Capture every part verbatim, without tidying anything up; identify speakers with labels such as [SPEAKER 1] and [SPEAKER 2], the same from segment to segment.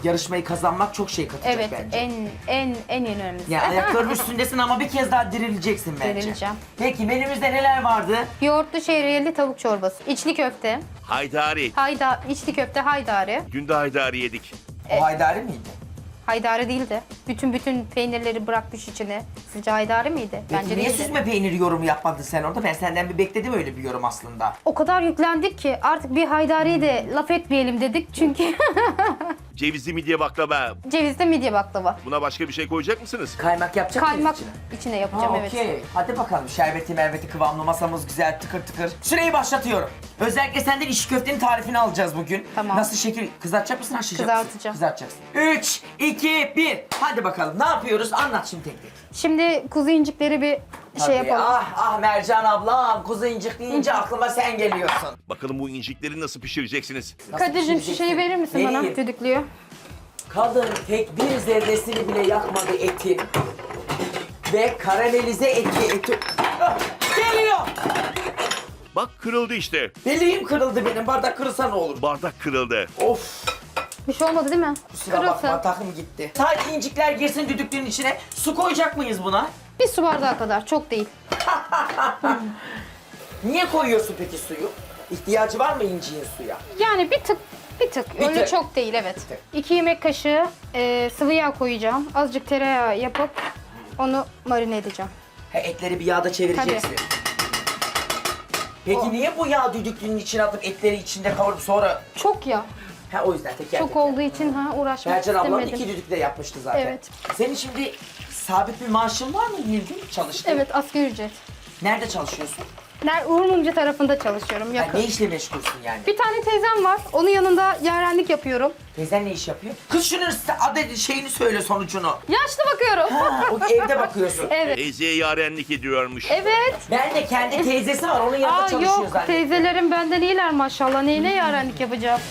[SPEAKER 1] yarışmayı kazanmak çok şey katacak
[SPEAKER 2] Evet,
[SPEAKER 1] bence.
[SPEAKER 2] en en en önemlisi.
[SPEAKER 1] Ya ayakların üstündesin ama bir kez daha dirileceksin bence.
[SPEAKER 2] Dirileceğim.
[SPEAKER 1] Peki menümüzde neler vardı?
[SPEAKER 2] Yoğurtlu şehriyeli tavuk çorbası, içli köfte,
[SPEAKER 3] Haydari.
[SPEAKER 2] hayda, içli köfte haydari.
[SPEAKER 3] Dün de haydari yedik.
[SPEAKER 1] O haydari miydi?
[SPEAKER 2] Haydari değildi. Bütün bütün peynirleri bırakmış içine. Sizce haydari miydi?
[SPEAKER 1] Peki
[SPEAKER 2] Bence
[SPEAKER 1] niye
[SPEAKER 2] değildi.
[SPEAKER 1] süzme peyniri yorumu yapmadın sen orada? Ben senden bir bekledim öyle bir yorum aslında.
[SPEAKER 2] O kadar yüklendik ki artık bir haydariyi de laf etmeyelim dedik çünkü
[SPEAKER 3] Cevizli midye baklava.
[SPEAKER 2] cevizli midye baklava.
[SPEAKER 3] Buna başka bir şey koyacak mısınız?
[SPEAKER 1] Kaymak yapacak mıyız
[SPEAKER 2] Kaymak
[SPEAKER 1] içine?
[SPEAKER 2] içine yapacağım
[SPEAKER 1] Ha,
[SPEAKER 2] evet.
[SPEAKER 1] okey. Hadi bakalım şerbeti merveti kıvamlı masamız güzel tıkır tıkır. Süreyi başlatıyorum. Özellikle senden içli köftenin tarifini alacağız bugün.
[SPEAKER 2] Tamam.
[SPEAKER 1] Nasıl şekil kızartacak mısın haşlayacak mısın?
[SPEAKER 2] Kızartacağım.
[SPEAKER 1] Kızartacaksın. üç, iki, bir. Hadi bakalım ne yapıyoruz? Anlat şimdi tek tek.
[SPEAKER 2] Şimdi kuzu incikleri bir şey
[SPEAKER 1] Tabii.
[SPEAKER 2] yapalım.
[SPEAKER 1] Ah ah Mercan ablam kuzu incik deyince aklıma sen geliyorsun.
[SPEAKER 3] Bakalım bu incikleri nasıl pişireceksiniz?
[SPEAKER 1] Nasıl
[SPEAKER 2] Kadir'cim şu
[SPEAKER 1] pişireceksin?
[SPEAKER 2] şeyi verir misin bana?
[SPEAKER 1] Vereyim.
[SPEAKER 2] Düdüklüyor.
[SPEAKER 1] Kadın tek bir zerresini bile yakmadı etin. Ve karamelize etti eti. Ah, geliyor.
[SPEAKER 3] Bak kırıldı işte.
[SPEAKER 1] Bileğim kırıldı benim. Bardak kırılsa ne olur?
[SPEAKER 3] Bardak kırıldı.
[SPEAKER 1] Of.
[SPEAKER 2] Bir şey olmadı değil mi?
[SPEAKER 1] Kusura
[SPEAKER 2] Kırılsın.
[SPEAKER 1] bakma takım gitti. Sadece incikler girsin düdüklünün içine. Su koyacak mıyız buna?
[SPEAKER 2] Bir su bardağı kadar, çok değil.
[SPEAKER 1] Niye koyuyorsun peki suyu? İhtiyacı var mı inciğin suya?
[SPEAKER 2] Yani bir tık, bir tık.
[SPEAKER 1] Bir
[SPEAKER 2] Öyle
[SPEAKER 1] tık.
[SPEAKER 2] çok değil evet.
[SPEAKER 1] tık.
[SPEAKER 2] İki yemek kaşığı e, sıvı yağ koyacağım. Azıcık tereyağı yapıp onu marine edeceğim.
[SPEAKER 1] He, etleri bir yağda çevireceksin. Peki
[SPEAKER 2] O.
[SPEAKER 1] niye bu yağ düdüklünün içine atıp etleri içinde kavurup sonra...
[SPEAKER 2] Çok yağ.
[SPEAKER 1] Ha o yüzden teker
[SPEAKER 2] Çok
[SPEAKER 1] teker.
[SPEAKER 2] olduğu için ha uğraşmak
[SPEAKER 1] Mercan ablam
[SPEAKER 2] istemedim.
[SPEAKER 1] iki düdükle yapmıştı zaten.
[SPEAKER 2] Evet.
[SPEAKER 1] Senin şimdi sabit bir maaşın var mı Nilgün? Çalıştın.
[SPEAKER 2] Evet, asgari ücret.
[SPEAKER 1] Nerede çalışıyorsun?
[SPEAKER 2] Ner Uğur Mumcu tarafında çalışıyorum,
[SPEAKER 1] Ha,
[SPEAKER 2] yakın.
[SPEAKER 1] ne işle meşgulsün yani?
[SPEAKER 2] Bir tane teyzem var, onun yanında yarenlik yapıyorum.
[SPEAKER 1] Teyzen ne iş yapıyor? Kız şunun adı şeyini söyle sonucunu.
[SPEAKER 2] Yaşlı bakıyorum.
[SPEAKER 1] Ha, o evde bakıyorsun.
[SPEAKER 2] Evet.
[SPEAKER 3] Teyzeye yarenlik ediyormuş.
[SPEAKER 2] Evet.
[SPEAKER 1] Ben de kendi teyzesi var onun yanında
[SPEAKER 2] Aa
[SPEAKER 1] çalışıyor
[SPEAKER 2] yok,
[SPEAKER 1] zannettim.
[SPEAKER 2] teyzelerim benden iyiler maşallah. Neyine yarenlik yapacağım?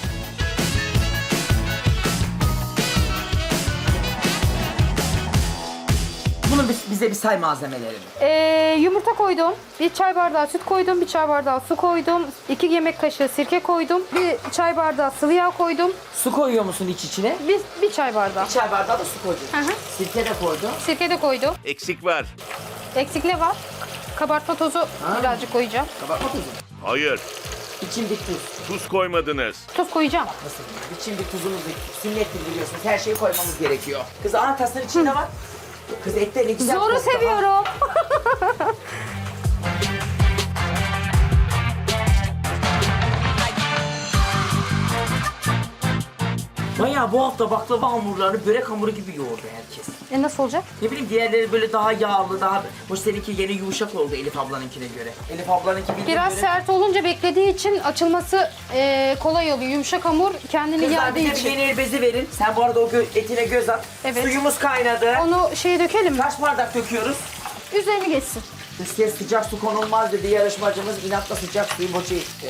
[SPEAKER 1] Bunu biz- bize bir say malzemelerini.
[SPEAKER 2] Ee, yumurta koydum, bir çay bardağı süt koydum, bir çay bardağı su koydum, iki yemek kaşığı sirke koydum, bir çay bardağı sıvı yağ koydum,
[SPEAKER 1] Su koyuyor musun iç içine?
[SPEAKER 2] bir, bir çay bardağı.
[SPEAKER 1] Bir çay bardağı da su koydun.
[SPEAKER 2] Hı hı.
[SPEAKER 1] Sirke de koydun.
[SPEAKER 2] Sirke de koydum.
[SPEAKER 3] Eksik var.
[SPEAKER 2] Eksik ne var? Kabartma tozu birazcık koyacağım.
[SPEAKER 1] Kabartma tuzu.
[SPEAKER 3] Hayır.
[SPEAKER 1] İçin bir tuz.
[SPEAKER 3] Tuz koymadınız.
[SPEAKER 2] Tuz koyacağım.
[SPEAKER 1] Nasıl? İçin bir tuzumuz sünnettir biliyorsunuz. Her şeyi koymamız gerekiyor. Kız ana tasın içinde var. Kız ette ne güzel
[SPEAKER 2] Zoru
[SPEAKER 1] koktu ha.
[SPEAKER 2] seviyorum.
[SPEAKER 1] Bayağı bu hafta baklava hamurlarını börek hamuru gibi yoğurdu herkes.
[SPEAKER 2] E nasıl olacak?
[SPEAKER 1] Ne bileyim diğerleri böyle daha yağlı, daha... Hoş seninki yeni yumuşak oldu Elif ablanınkine göre. Elif ablanınki bildiğin
[SPEAKER 2] Biraz
[SPEAKER 1] göre...
[SPEAKER 2] sert olunca beklediği için açılması e, kolay oluyor. Yumuşak hamur kendini
[SPEAKER 1] Kızlar
[SPEAKER 2] yağdığı
[SPEAKER 1] bize bir
[SPEAKER 2] için.
[SPEAKER 1] yeni el bezi verin. Sen bu arada o gö- etine göz at.
[SPEAKER 2] Evet.
[SPEAKER 1] Suyumuz kaynadı.
[SPEAKER 2] Onu şeye dökelim mi?
[SPEAKER 1] Kaç bardak döküyoruz?
[SPEAKER 2] Üzerini geçsin.
[SPEAKER 1] Dış ses sıcak su konulmaz dedi yarışmacımız. İnatla sıcak suyu boşa itti.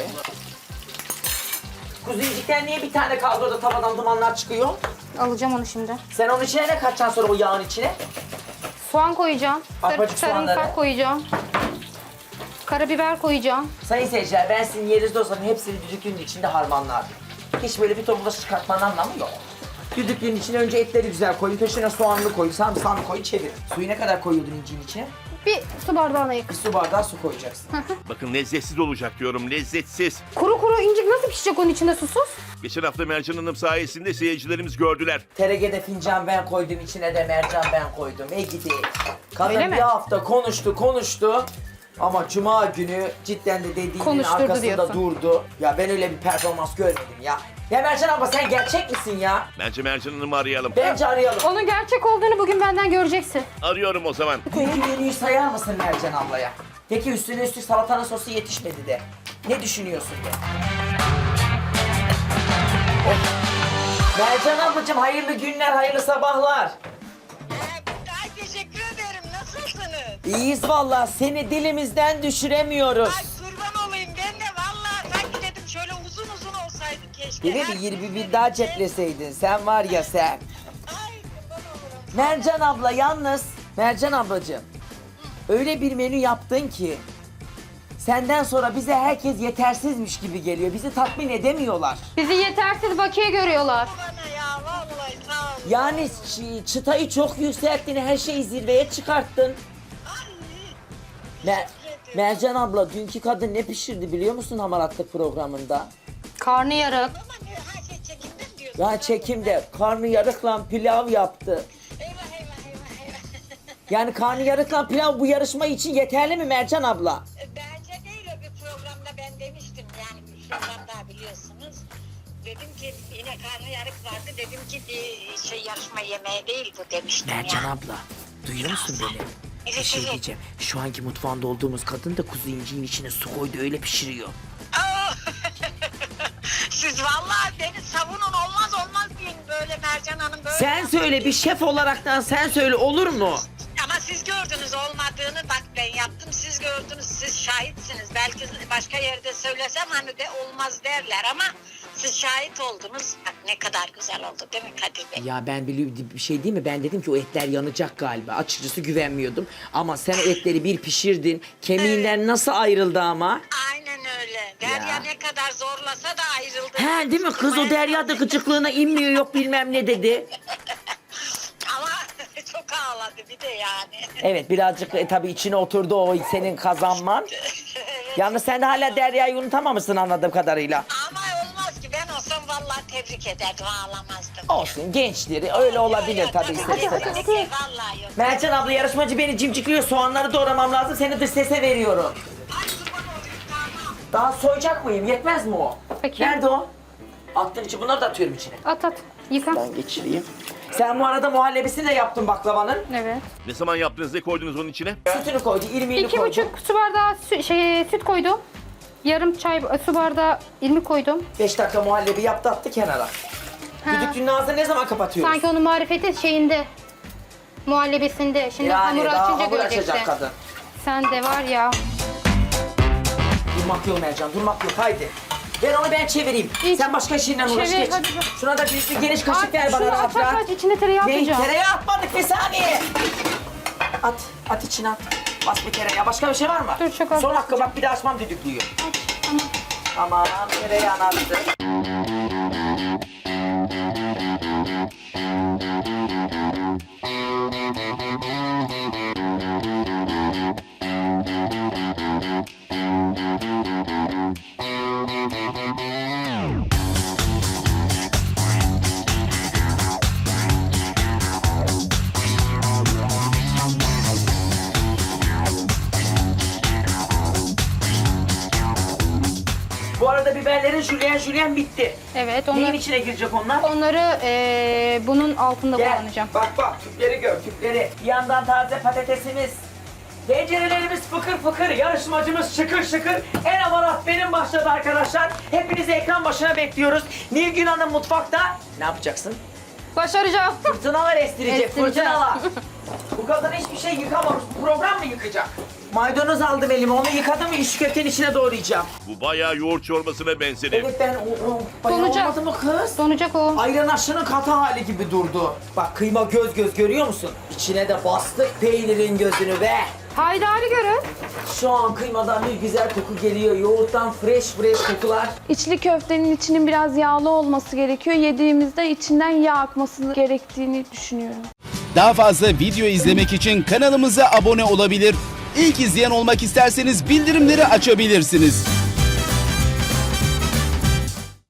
[SPEAKER 1] Kuzu incikten niye bir tane kaldı orada tavadan dumanlar çıkıyor?
[SPEAKER 2] Alacağım onu şimdi.
[SPEAKER 1] Sen onun içine ne katacaksın sonra o yağın içine?
[SPEAKER 2] Soğan koyacağım. Sar
[SPEAKER 1] Arpacık
[SPEAKER 2] sarımsak
[SPEAKER 1] soğanları.
[SPEAKER 2] koyacağım. Karabiber koyacağım.
[SPEAKER 1] Sayın seyirciler ben sizin yerinizde olsam hepsini düdüklünün içinde harmanlardım. Hiç böyle bir ton bulaşık çıkartmanın anlamı yok. Düdüklünün içine önce etleri güzel koyun, peşine soğanını koyun, sarımsağını koyun, çevir. Suyu ne kadar koyuyordun incinin içine?
[SPEAKER 2] Bir su bardağına
[SPEAKER 1] Bir
[SPEAKER 2] yakın.
[SPEAKER 1] su bardağı su koyacaksın.
[SPEAKER 3] Bakın lezzetsiz olacak diyorum. Lezzetsiz.
[SPEAKER 2] Kuru kuru incik nasıl pişecek onun içinde susuz?
[SPEAKER 3] Geçen hafta Mercan Hanım sayesinde seyircilerimiz gördüler.
[SPEAKER 1] T R G'de fincan ben koydum, içine de mercan ben koydum. E gidi. Kadın
[SPEAKER 2] Öyle
[SPEAKER 1] bir
[SPEAKER 2] mi?
[SPEAKER 1] hafta konuştu, konuştu. Ama cuma günü cidden de dediğinin
[SPEAKER 2] Konuşturdu
[SPEAKER 1] arkasında
[SPEAKER 2] diyorsun.
[SPEAKER 1] durdu. Ya ben öyle bir performans görmedim ya. Ya Mercan abla sen gerçek misin ya?
[SPEAKER 3] Bence Mercan Hanım'ı arayalım.
[SPEAKER 1] Bence arayalım.
[SPEAKER 2] Onun gerçek olduğunu bugün benden göreceksin.
[SPEAKER 3] Arıyorum o zaman.
[SPEAKER 1] Dünkü menüyü sayar mısın Mercan ablaya? Peki üstüne üstlük salatanın sosu yetişmedi de. Ne düşünüyorsun de? Oh. Mercan ablacığım hayırlı günler, hayırlı sabahlar.
[SPEAKER 4] Ay teşekkür ederim. Nasılsınız?
[SPEAKER 1] İyiyiz vallahi seni dilimizden düşüremiyoruz.
[SPEAKER 4] Ay kurban olayım ben de vallahi sanki dedim şöyle uzun uzun olsaydı keşke.
[SPEAKER 1] Değil mi?
[SPEAKER 4] Her
[SPEAKER 1] Bir yirmi
[SPEAKER 4] gün
[SPEAKER 1] bin daha
[SPEAKER 4] birlikte.
[SPEAKER 1] cepleseydin. Sen var ya sen.
[SPEAKER 4] Ay kurban olurum.
[SPEAKER 1] Mercan abla yalnız. Mercan ablacığım. Öyle bir menü yaptın ki. Senden sonra bize herkes yetersizmiş gibi geliyor. Bizi tatmin edemiyorlar.
[SPEAKER 2] Bizi yetersiz bakiye görüyorlar.
[SPEAKER 4] Bana ya vallahi
[SPEAKER 1] Yani çı- çıtayı çok yükselttin, her şeyi zirveye çıkarttın. Mer Mercan abla, dünkü kadın ne pişirdi biliyor musun hamaratlık programında?
[SPEAKER 2] Karnıyarık.
[SPEAKER 4] Ama ne her şey çekimden diyorsun.
[SPEAKER 1] Ya çekimde karnıyarıkla pilav yaptı.
[SPEAKER 4] Eyvah eyvah eyvah eyvah.
[SPEAKER 1] Yani karnıyarıkla pilav bu yarışma için yeterli mi Mercan abla?
[SPEAKER 4] Bence değil, o bir programda ben demiştim yani bir programda biliyorsunuz. Dedim ki yine karnıyarık vardı, dedim ki bir şey yarışma yemeği değil bu demiştim
[SPEAKER 1] Mercan
[SPEAKER 4] ya.
[SPEAKER 1] abla, duyuyor musun beni? Bir
[SPEAKER 4] Evet,
[SPEAKER 1] şey
[SPEAKER 4] evet.
[SPEAKER 1] diyeceğim. Şu anki mutfağında olduğumuz kadın da kuzu inciğin içine su koydu, öyle pişiriyor.
[SPEAKER 4] Aa! Siz vallahi beni savunun, olmaz olmaz deyin böyle Mercan Hanım böyle.
[SPEAKER 1] Sen söyle, bir şef olaraktan sen söyle, olur mu?
[SPEAKER 4] Ama siz gördünüz olmadığını, bak ben yaptım, siz gördünüz, siz şahitsiniz. Belki başka yerde söylesem hani de olmaz derler ama siz şahit oldunuz. Bak ne kadar güzel oldu değil mi Kadir Bey?
[SPEAKER 1] Ya ben biliyorum bir şey değil mi? Ben dedim ki o etler yanacak galiba. Açıkçası güvenmiyordum. Ama sen o etleri bir pişirdin. Kemiğinden nasıl ayrıldı ama?
[SPEAKER 4] Aynen öyle. Derya
[SPEAKER 1] Ya.
[SPEAKER 4] ne kadar zorlasa da ayrıldı.
[SPEAKER 1] He değil mi? Kız o Derya da gıcıklığına inmiyor, yok bilmem ne dedi.
[SPEAKER 4] Ama çok ağladı bir de yani.
[SPEAKER 1] Evet, birazcık e, tabii içine oturdu o senin kazanman. Yalnız sen de hala Derya'yı unutamamışsın anladığım kadarıyla.
[SPEAKER 4] Ama olmaz ki, ben olsam vallahi tebrik ederdim, ağlamazdım.
[SPEAKER 1] Olsun, gençleri öyle olabilir tabii ister
[SPEAKER 4] Hadi,
[SPEAKER 1] istemez.
[SPEAKER 4] hadi, hadi. Vallahi yok.
[SPEAKER 1] Mercan abla, yarışmacı beni cimcikliyor. Soğanları doğramam lazım. Seni dış sese veriyorum.
[SPEAKER 4] Ay kurban olayım, tamam.
[SPEAKER 1] Daha soyacak mıyım? Yetmez mi o?
[SPEAKER 2] Peki.
[SPEAKER 1] Nerede o? Attın içi. Bunları da atıyorum içine.
[SPEAKER 2] At at. Yıka.
[SPEAKER 1] Ben geçireyim. Sen bu arada muhallebisini de yaptın baklavanın.
[SPEAKER 2] Evet.
[SPEAKER 3] Ne zaman yaptınız, ne koydunuz onun içine?
[SPEAKER 1] Sütünü koydu, irmiğini
[SPEAKER 2] İki
[SPEAKER 1] koydu.
[SPEAKER 2] buçuk su bardağı sü- şey, süt koydum. Yarım çay su bardağı irmik koydum.
[SPEAKER 1] Beş dakika muhallebi yaptı, attı kenara.
[SPEAKER 2] Ha.
[SPEAKER 1] Düdüklünün ağzını ne zaman kapatıyoruz?
[SPEAKER 2] Sanki onun marifeti şeyinde. Muhallebisinde. Şimdi
[SPEAKER 1] yani
[SPEAKER 2] hamuru
[SPEAKER 1] daha
[SPEAKER 2] açınca
[SPEAKER 1] hamur
[SPEAKER 2] göreceksin.
[SPEAKER 1] açacak kadın.
[SPEAKER 2] Sen de var ya.
[SPEAKER 1] Durmak yok Mercan, durmak yok. Haydi. Ver onu, ben çevireyim.
[SPEAKER 2] Hiç-
[SPEAKER 1] Sen başka işinle uğraş,
[SPEAKER 2] Çevir,
[SPEAKER 1] geç.
[SPEAKER 2] hadi.
[SPEAKER 1] Şuna da bir, bir geniş kaşık
[SPEAKER 2] Aç,
[SPEAKER 1] ver bana
[SPEAKER 2] şunu
[SPEAKER 1] rahat
[SPEAKER 2] aç, aç,
[SPEAKER 1] rahat.
[SPEAKER 2] aç. İçine tereyağı
[SPEAKER 1] Ne?
[SPEAKER 2] atacağım.
[SPEAKER 1] Tereyağı atmadık, bir saniye. At, at içine at. Bas bir tereyağı. Başka bir şey var mı?
[SPEAKER 2] Dur, çok az
[SPEAKER 1] Son hakkı bak, bir de açmam düdüklüyü. Tamam, tereyağını attı. Bu arada biberlerin jülyen jülyen bitti.
[SPEAKER 2] Evet.
[SPEAKER 1] Neyin
[SPEAKER 2] Onları,
[SPEAKER 1] içine girecek onlar?
[SPEAKER 2] onları eee, bunun altında
[SPEAKER 1] Gel,
[SPEAKER 2] kullanacağım.
[SPEAKER 1] bak bak, tüpleri gör, tüpleri. Bir yandan taze patatesimiz. Tencerelerimiz fıkır fıkır, yarışmacımız şıkır şıkır. En amarat benim başladı arkadaşlar. Hepinizi ekran başına bekliyoruz. Nilgün Hanım mutfakta. Ne yapacaksın?
[SPEAKER 2] Başaracağım.
[SPEAKER 1] Fırtınalar estirecek,
[SPEAKER 2] Estireceğim.
[SPEAKER 1] fırtınalar. Bu kadın hiçbir şey yıkamamış. Bu program mı yıkacak? Maydanoz aldım elime, onu yıkadım, iş köftenin içine doğrayacağım.
[SPEAKER 3] Bu bayağı yoğurt çorbasına benzedi.
[SPEAKER 1] Evet, ben o, o bayağı
[SPEAKER 2] Donacak.
[SPEAKER 1] olmadı mı kız?
[SPEAKER 2] Donacak o.
[SPEAKER 1] Ayran aşının katı hali gibi durdu. Bak, kıyma göz göz, görüyor musun? İçine de bastık peynirin gözünü be.
[SPEAKER 2] Haydari görün.
[SPEAKER 1] Şu an kıymadan bir güzel koku geliyor. Yoğurttan fresh fresh kokular.
[SPEAKER 5] İçli köftenin içinin biraz yağlı olması gerekiyor. Yediğimizde içinden yağ akması gerektiğini düşünüyorum.
[SPEAKER 6] Daha fazla video izlemek için kanalımıza abone olabilir. İlk izleyen olmak isterseniz bildirimleri açabilirsiniz.